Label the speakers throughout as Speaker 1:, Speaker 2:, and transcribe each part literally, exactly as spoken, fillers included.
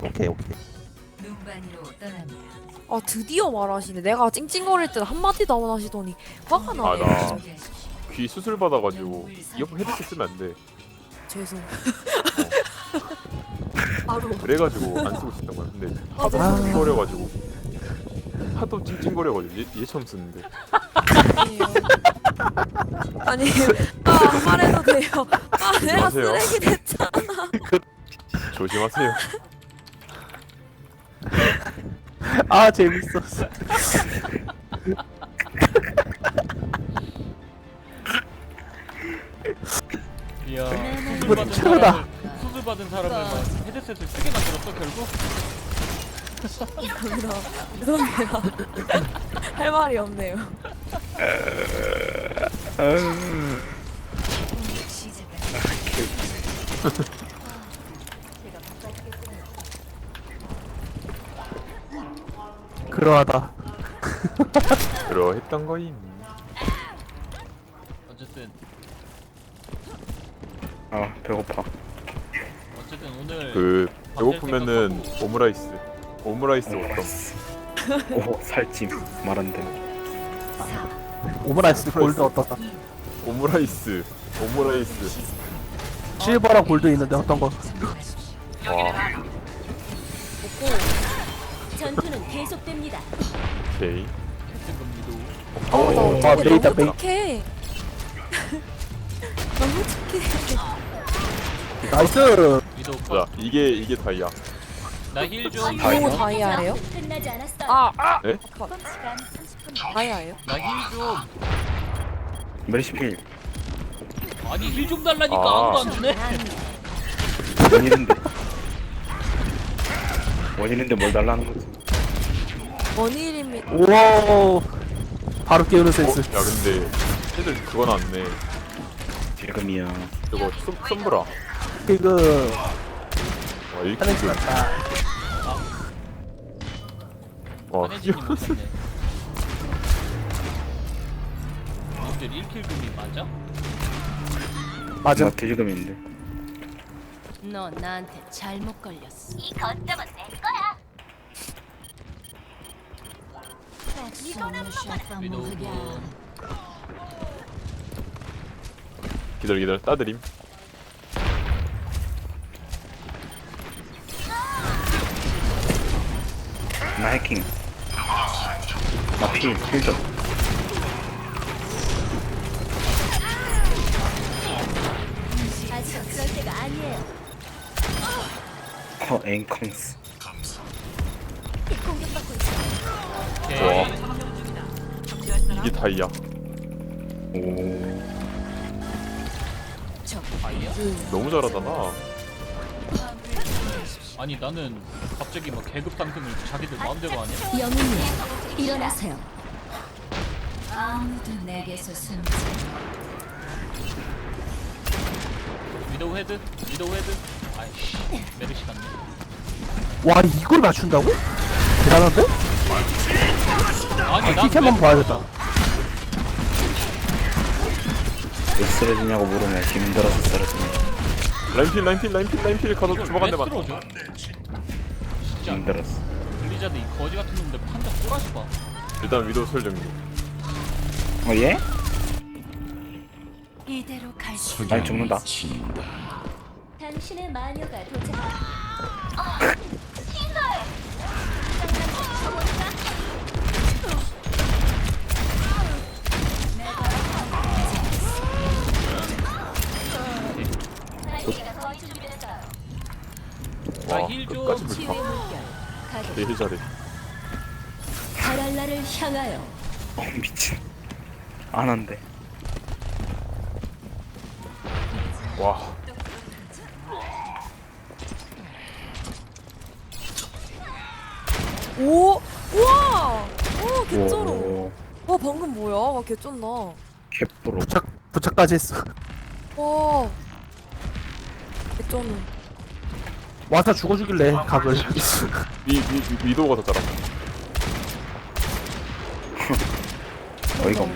Speaker 1: 오케이 오케이.
Speaker 2: 눈반이로 떠납니다.
Speaker 3: 아 드디어 말하시네. 내가 찡찡거릴 때 한마디도 안 하시더니 화가 나네.
Speaker 4: 아, 나-
Speaker 3: 갑자기.
Speaker 4: 귀 수술 받아가지고 이어폰 헤드셋 쓰면 안 돼.
Speaker 3: 죄송. 바로.
Speaker 4: 그래가지고 안 쓰고 있었던 거야. 근데 하도
Speaker 3: 아.
Speaker 4: 찡찡거려가지고 하도 찡찡거려가지고 얘, 얘 처음 쓰는데.
Speaker 3: 아니에요. 아니, 아, 말해도 돼요. 아, 내가
Speaker 4: 조심하세요.
Speaker 3: 쓰레기 됐잖아.
Speaker 4: 조심하세요.
Speaker 1: 아 재밌었어.
Speaker 5: 이야 수술
Speaker 1: 이거
Speaker 5: 받은
Speaker 1: 최고다.
Speaker 5: 사람을 수술 받은 사람을 막 헤드셋을 쓰게 만들었어 결국?
Speaker 3: 죄송합니다. 죄송해요. 할 말이 없네요.
Speaker 1: 그러하다.
Speaker 4: 그러했던 거임.
Speaker 5: 어쨌든
Speaker 6: 아 배고파.
Speaker 5: 어쨌든 오늘
Speaker 4: 그 배고프면은 오므라이스. 오므라이스 어떤?
Speaker 6: 오 살찜 말한대.
Speaker 1: 오므라이스 골드 어떻다?
Speaker 4: 오므라이스. 오므라이스.
Speaker 1: 실버랑 골드 있는데 어떤 거?
Speaker 4: 와.
Speaker 2: 전투는 계속됩니다.
Speaker 4: 오케이.
Speaker 5: 캡틴 금리도
Speaker 3: 어, 나
Speaker 1: 아,
Speaker 3: 어떡해.
Speaker 1: 메이다,
Speaker 3: 너무
Speaker 1: 메이.
Speaker 3: 착해. 너무 착해.
Speaker 1: 나이스.
Speaker 5: 위도
Speaker 4: 자, 이게 이게 다이아.
Speaker 5: 나힐좀
Speaker 3: 이거 다이아예요?
Speaker 2: 끝나지 않았어요.
Speaker 3: 아, 아!
Speaker 4: 네?
Speaker 3: 컷.
Speaker 2: 시간 삼십 분.
Speaker 3: 다이아예요?
Speaker 5: 나힐좀
Speaker 6: 메리시필
Speaker 5: 아니 힐 좀 달라니까
Speaker 4: 아.
Speaker 5: 아무도 안 주네.
Speaker 6: 원이는데 원이는데 뭘 달라는 거지?
Speaker 3: 원일이미.
Speaker 1: 우와. 바로 깨우는
Speaker 4: 어?
Speaker 1: 센스.
Speaker 4: 야 근데 애들 그거 나왔네.
Speaker 6: 지금이야.
Speaker 4: 그거 솜, 솜브라.
Speaker 1: 그
Speaker 4: 와 이렇게
Speaker 1: 하는
Speaker 4: 그-
Speaker 1: 줄 알았다.
Speaker 4: 와
Speaker 5: 한혜진님 못했네. 님들 일 킬 금이 맞아?
Speaker 1: 맞음.
Speaker 6: 나 돼지금인데.
Speaker 2: 너 나한테 잘못 걸렸어. 이 거점은 내 거야. 이거는
Speaker 5: 위도
Speaker 4: 기다려 기다려 따드림.
Speaker 6: 나 해킹. 나필 필점.
Speaker 2: 아직 그럴 때가 아니에요.
Speaker 6: 어 앵컹스.
Speaker 2: 공격받고 있어.
Speaker 4: 와
Speaker 5: 오케이.
Speaker 4: 이게 다이아.
Speaker 6: 오.
Speaker 5: 아이야?
Speaker 4: 너무 잘하잖아.
Speaker 5: 아니 나는 갑자기 막 계급 상승을 자기들 마음대로 하냐?
Speaker 2: 영웅님, 일어나세요. 아무도 내게서 숨지.
Speaker 5: 위도우 헤드? 위도우 헤드? 아이씨 메르시 같네.
Speaker 1: 와 이걸 맞춘다고? 대단한데?
Speaker 5: 아니 난
Speaker 1: 킥 한번
Speaker 5: 왜-
Speaker 1: 봐야겠다.
Speaker 6: 왜 쓰러지냐고 물으면 힘들어서 쓰러지네.
Speaker 4: 라인필 라인필 라인필 라인필 가서
Speaker 5: 이걸
Speaker 4: 주먹 한
Speaker 5: 왜
Speaker 4: 대만.
Speaker 5: 쓸어줘? 진짜
Speaker 6: 힘들었어.
Speaker 5: 블리자드 이 거지 같은 놈들 판자 꼬라지 봐.
Speaker 4: 일단 위도우 설정리.
Speaker 6: 어 얘?
Speaker 2: 이대로 갈 수.
Speaker 6: 아니 죽는다.
Speaker 2: 당신의 마녀가 도착.
Speaker 4: 와
Speaker 5: 나힐 좀.
Speaker 4: 끝까지
Speaker 2: 치유의
Speaker 4: 불타.
Speaker 2: 물결. 가동.
Speaker 4: 되게 잘해.
Speaker 2: 바랄라를 향하여.
Speaker 6: 어 미친. 안 한대.
Speaker 4: 와
Speaker 3: 오! 우와! 오, 개쩔어.
Speaker 6: 오.
Speaker 3: 와, 방금 뭐야? 와, 개쩐다.
Speaker 6: 캡프로.
Speaker 1: 부착 부착까지 했어.
Speaker 3: 와. 개쩌네.
Speaker 1: 와서 죽어주길래 각을.
Speaker 4: 위, 위, 위, 위도우가 더 잘한다.
Speaker 6: 어이가 없네.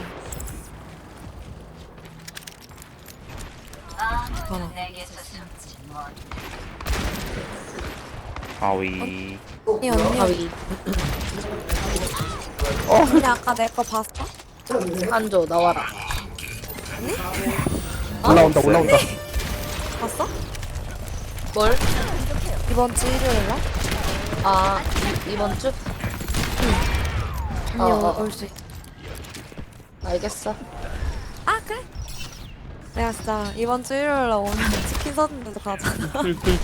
Speaker 3: 하나.
Speaker 2: 내게서 숨지 못.
Speaker 6: 아위.
Speaker 3: 언니 언니. 어 근데 아까 내 거 봤어?
Speaker 7: 한조 나와라.
Speaker 1: 올라온다 올라온다.
Speaker 3: 봤어?
Speaker 7: 뭘?
Speaker 3: 이번 주 일요일 날?
Speaker 7: 아 이- 이번 주?
Speaker 3: 언니
Speaker 7: 어, 어.
Speaker 3: 올 수 있어.
Speaker 7: 알겠어.
Speaker 3: 아 그래? 내가 진짜 이번 주 일요일 날 오면 치킨 사준데도 가잖아.
Speaker 7: 누가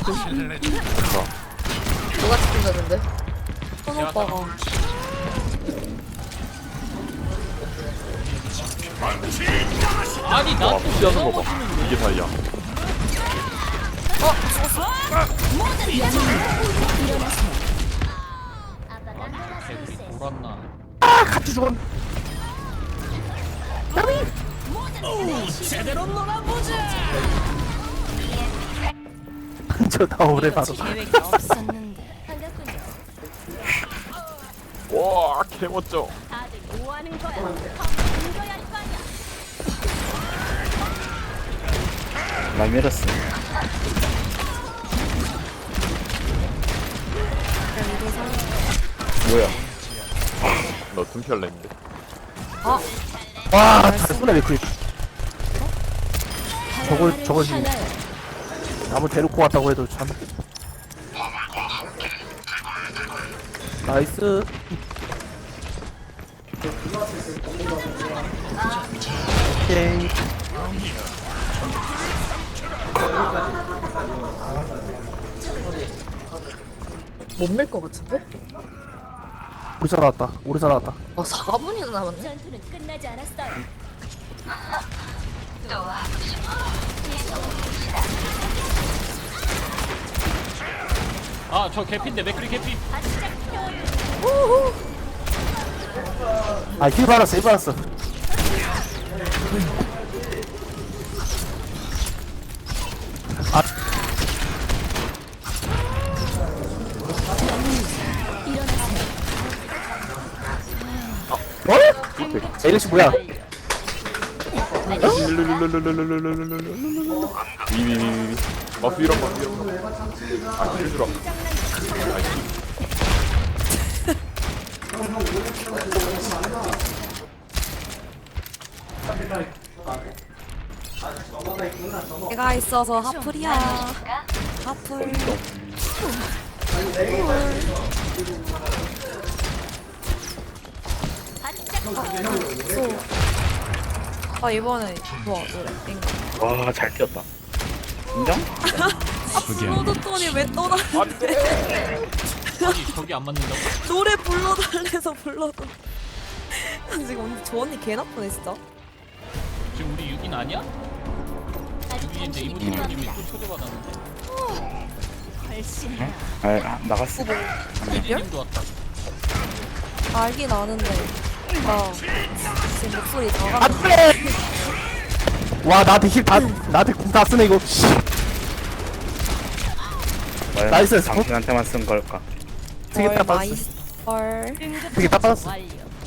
Speaker 7: 치킨 줬는데?
Speaker 3: 손 오빠가.
Speaker 5: 아니
Speaker 4: 와
Speaker 5: 나또
Speaker 4: 무시하는 거봐 이게 다이야.
Speaker 5: 개구리 돌았나.
Speaker 1: 아 같이 죽었. 저다 오래 봐도.
Speaker 2: 계획이 없었는데.
Speaker 4: 와 개멋져.
Speaker 2: 다들 뭐 하는 거야? 이거야 할 거 아니야.
Speaker 6: 나 밀었어. 뭐야?
Speaker 4: 너 tum피할래 했는데.
Speaker 1: 와 잘쏘네 맥크리. 저걸 저걸 지금 나무 데리고 왔다고 해도 참. 나이스. 오케이.
Speaker 7: 못 밀 것 같은데?
Speaker 1: 우리 살아왔다. 우리 살아왔다.
Speaker 7: 아 사 분이나 남았네.
Speaker 2: 전투는 끝나지 않았어요.
Speaker 5: 아 저 개피인데 맥크리 개피.
Speaker 1: 아힐 받았어 힐 받았어. 아. 어? 에이씨 뭐야?
Speaker 4: 위위위위위. 마프 이런 마프 이런 거. 아 힐주라.
Speaker 3: 내가 있어서 하플이야. 하플. 아 이번에 좋아 노래. 인가.
Speaker 6: 와, 잘 뛰었다. 인정?
Speaker 3: 불러줬더니 왜 떠나?
Speaker 5: 아니 저기 안 맞는다고?
Speaker 3: 노래 불러달래서 불러도. 지금 언니 저 언니 개 나쁘네 진짜.
Speaker 5: 지금 우리 육 인 아니야?
Speaker 2: 아직
Speaker 5: 육 인인데
Speaker 2: 당신이
Speaker 5: 이모님이
Speaker 2: 필요합니다.
Speaker 5: 또 초대받았는데.
Speaker 2: 훨씬
Speaker 6: 아, 아, 나갔어.
Speaker 5: 혜진님도 왔다.
Speaker 3: 알긴 아는데. 나 지금 목소리 나가.
Speaker 1: 안돼. 와 나한테 힐다 나한테 궁 다 쓰네 이거. 씨.
Speaker 6: 과연
Speaker 1: 나이스.
Speaker 6: 당신한테만 쓴 걸까?
Speaker 1: 되게 딱 받았어.
Speaker 3: 마이스. 헐.
Speaker 1: 되게 딱 받았어.
Speaker 2: 완료.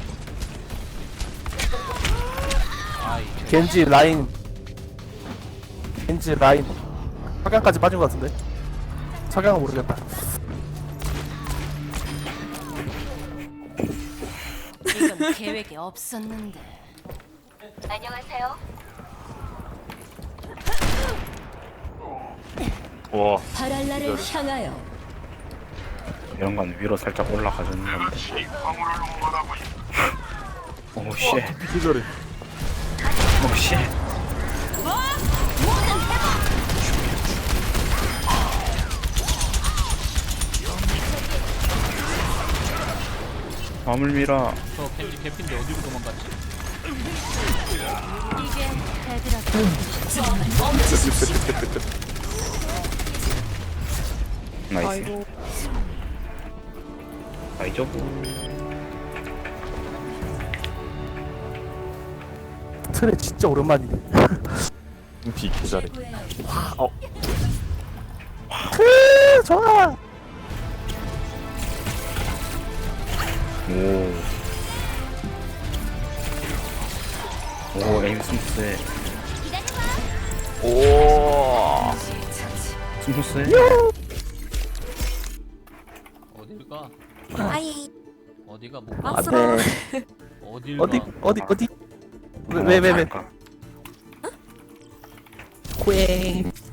Speaker 5: 아이
Speaker 1: 겐지 라인. 겐지 라인. 석양까지 빠진 것 같은데. 석양은 모르겠다.
Speaker 2: 이건 계획이 없었는데.
Speaker 4: 와
Speaker 2: 바랄라를 향하여.
Speaker 6: 이런 건 위로 살짝 올라가주는 건데. 오, 쉣.
Speaker 4: 기절해.
Speaker 6: 오, 쉣. 밤을 밀어.
Speaker 5: 저 겐지 개피인데 어디로 도망갔지?
Speaker 2: 이게 애들한테
Speaker 6: 나이스.
Speaker 3: 아이고.
Speaker 6: 아이죠?
Speaker 1: 트레 진짜 오랜만이네.
Speaker 4: tum피 개 잘해. 어
Speaker 1: 크 좋아.
Speaker 6: 오. 오, 에임 스무스해.
Speaker 4: 오.
Speaker 6: 스무스해?
Speaker 5: 어딜 가?
Speaker 3: 아이
Speaker 5: 어디가 못 가?
Speaker 3: 막스라.
Speaker 1: 안돼.
Speaker 5: 어딜
Speaker 1: 어디
Speaker 5: 가?
Speaker 1: 어디 어디? 왜 왜 왜 왜?
Speaker 6: 갈까?
Speaker 1: 꽝.